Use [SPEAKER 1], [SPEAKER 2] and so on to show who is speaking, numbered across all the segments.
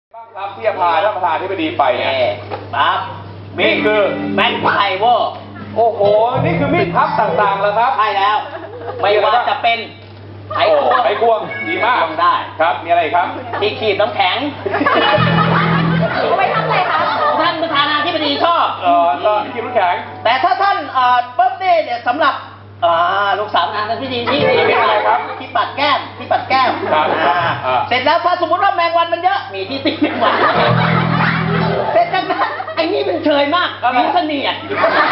[SPEAKER 1] บ้างครับที่จะพาท่านประธานที่ไปดีไปเนี่ย
[SPEAKER 2] ครับ
[SPEAKER 1] นี่คือ
[SPEAKER 2] แม็กไพเวอร์
[SPEAKER 1] โอ้โหนี่คือมีดพับต่างๆแล้วครับ
[SPEAKER 2] ใช่แล้ว ไม่ว่าจะเป็นไขควง
[SPEAKER 1] ไขควงดีมาก
[SPEAKER 2] ไขควงได้
[SPEAKER 1] ครับมีอะไรอีกครับ
[SPEAKER 2] ที่ขีดน้ำแข็ง
[SPEAKER 3] เอาไปทำอะไรคะ
[SPEAKER 2] ท่านประธานาธิบดีชอบ
[SPEAKER 1] ก็กินน้ำแข็ง
[SPEAKER 2] แต่ถ้าท่านปุ๊บเนี่ยสำหรับลูกสาวประธานาธิบดีที่
[SPEAKER 1] อะไรครับ
[SPEAKER 2] ที่ปัดแก้มที่ปัดแก้ม
[SPEAKER 1] ครับ
[SPEAKER 2] เสร็จแล้วถ้าสมมติว่าแมงวันมันเยอะมีที่ติดแมงวันเสร็จจากนั้นไอ้นี่มันเชยมากมีเสนียด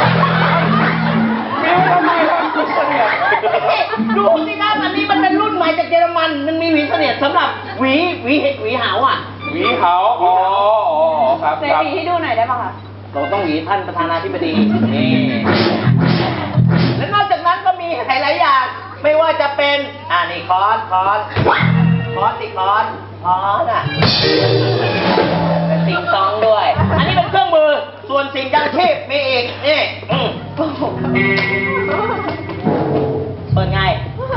[SPEAKER 1] มีไว้ทำไมครับคุณเสนียด
[SPEAKER 2] ดูสิครับอันนี้มันเป็นรุ่นใหม่จากเยอรมันมันมีหวีเสนียดสำหรับหวีหาวอ่ะ
[SPEAKER 1] หวีเขาอ๋อครับ
[SPEAKER 3] เซ
[SPEAKER 1] ครับ
[SPEAKER 3] ฟีให้ดูหน่อยได้ป่ะคะ
[SPEAKER 2] เราต้องหวีท่านประธานาธิบดีนี่และนอกจากนั้นก็มีหลายๆอย่างไม่ว่าจะเป็นนี่ค้อนอ่ะเป็นติงตองด้วย อันนี้เป็นเครื่องมือส่วนสิ่งยังชีพมีอีกนี่เปิดไง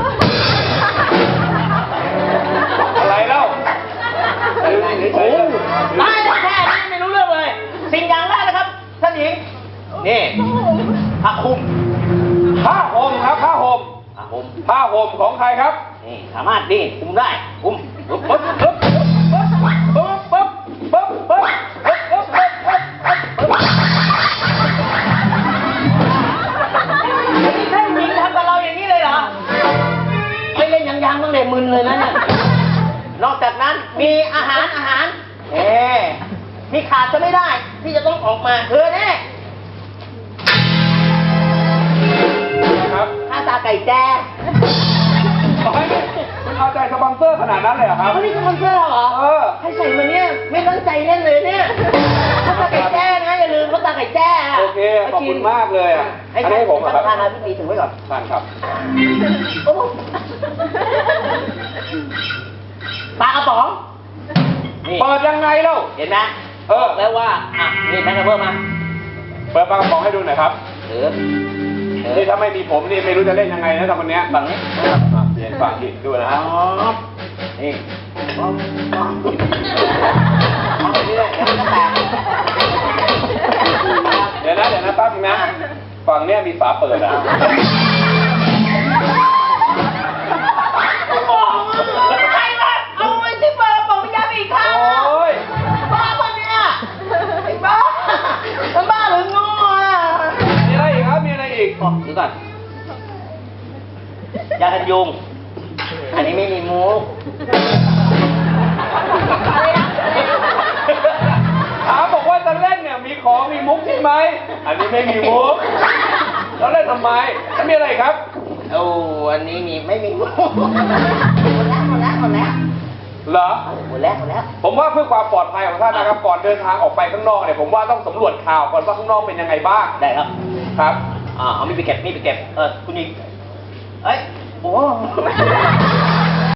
[SPEAKER 1] อะไรเล่า
[SPEAKER 2] โอ้ไม่ได้แค่นี้ไม่รู้เรื่องเลย สิ่งอย่างแรกนะครับท่านหญิงนี่ผ้าคลุม
[SPEAKER 1] ผ้าห่มครับผ้าห่ม
[SPEAKER 2] ผ้าคลุม
[SPEAKER 1] ผ้าห่มของใครครับ
[SPEAKER 2] นี่สามารถนี่คลุมได้คลุมปึ๊บ
[SPEAKER 1] ปึ๊บปึ๊บปึ๊บปึ๊บปึ๊บปึ๊บปึ๊บปึ๊บปึ๊บปึ๊บปึ๊บ
[SPEAKER 2] นี่ท่านหญิงทำกับเราอย่างนี้เลยเหรอไม่เล่นยังบ้างเลยมึนเลยนะเนี่ยนอกจากนั้นมีอาหารมีขาดจะไม่ได้ที่จะต้องออกมาแน่
[SPEAKER 1] ครับ
[SPEAKER 2] ข้าตาไก่แจ้
[SPEAKER 1] คุณเอาใจสปอนเซอร์ขนาดนั้นเลยเหรอครับ
[SPEAKER 2] เขานี่สปอนเซอร์เหรอ ให้ใส่มาเนี่ยไม่ตั้งใจเล่นเลยเนี่ยข้าวตาไก่แจ้นะอย่าลืมข้าวตาไก่แจ้ะ
[SPEAKER 1] โอเคขอบคุณมากเลยอ่ะ
[SPEAKER 2] ให้
[SPEAKER 1] อันนี้ให้ผมเหรอครับ
[SPEAKER 2] ทานนะพี่ปีถึงไว้ก่อน
[SPEAKER 1] ท่านครับ
[SPEAKER 2] โอ้โหปลากระป๋องนี่
[SPEAKER 1] เปิดยังไงเล่า
[SPEAKER 2] เห็นไหม
[SPEAKER 1] บอก
[SPEAKER 2] แล้วว่านี่แม็กกาเบอร์มา
[SPEAKER 1] เปิดปากกระป๋องให้ดูหน่อยครับ
[SPEAKER 2] ถือ
[SPEAKER 1] นี่ถ้าไม่มีผมนี่ไม่รู้จะเล่นยังไงนะตอนนี้
[SPEAKER 2] ฝั่งนี้
[SPEAKER 1] เปลี่ยนฝั่งที่ดูนะ
[SPEAKER 2] อ๋
[SPEAKER 1] ฮะ
[SPEAKER 2] อนี่เอาไปเรื่อยๆเดี๋ยวมันก็แตก
[SPEAKER 1] เดี๋ยวนะแป๊บนึงนะฝั่งเนี้ยมีฝาเปิดอ่ะ
[SPEAKER 2] ใครวะเอาไว้ที่เปิดบอกวิญญาณอีกครั้ง
[SPEAKER 1] โอ้ย
[SPEAKER 2] บ้าปะเนี่ยไอ้บ้ามันบ้าหรือโง่อ่ะ
[SPEAKER 1] มีอะไรอีกครับมีอะไรอีก
[SPEAKER 2] บอกดูก่อนยากันยุง อันนี้ไม่มีมุก
[SPEAKER 1] ถามบอกว่าจะเล่นเนี่ยมีของมีมุกใช่ไหมอันนี้ไม่มีมุกแล้วเล่นทำไมแล้วมีอะไรอีกครับ
[SPEAKER 2] โอ้อันนี้ไม่มีมุกหมดแล้ว
[SPEAKER 1] เหรอ
[SPEAKER 2] หมดแล้ว
[SPEAKER 1] ผมว่าเพื่อความปลอดภัยของท่านนะครับก่อนเดินทางออกไปข้างนอกเนี่ยผมว่าต้องสำรวจข่าวก่อนว่าข้างนอกเป็นยังไงบ้าง
[SPEAKER 2] ได้ครับ
[SPEAKER 1] ครับ
[SPEAKER 2] เอามีดไปเก็บคุณอีกเอ้ยโอ้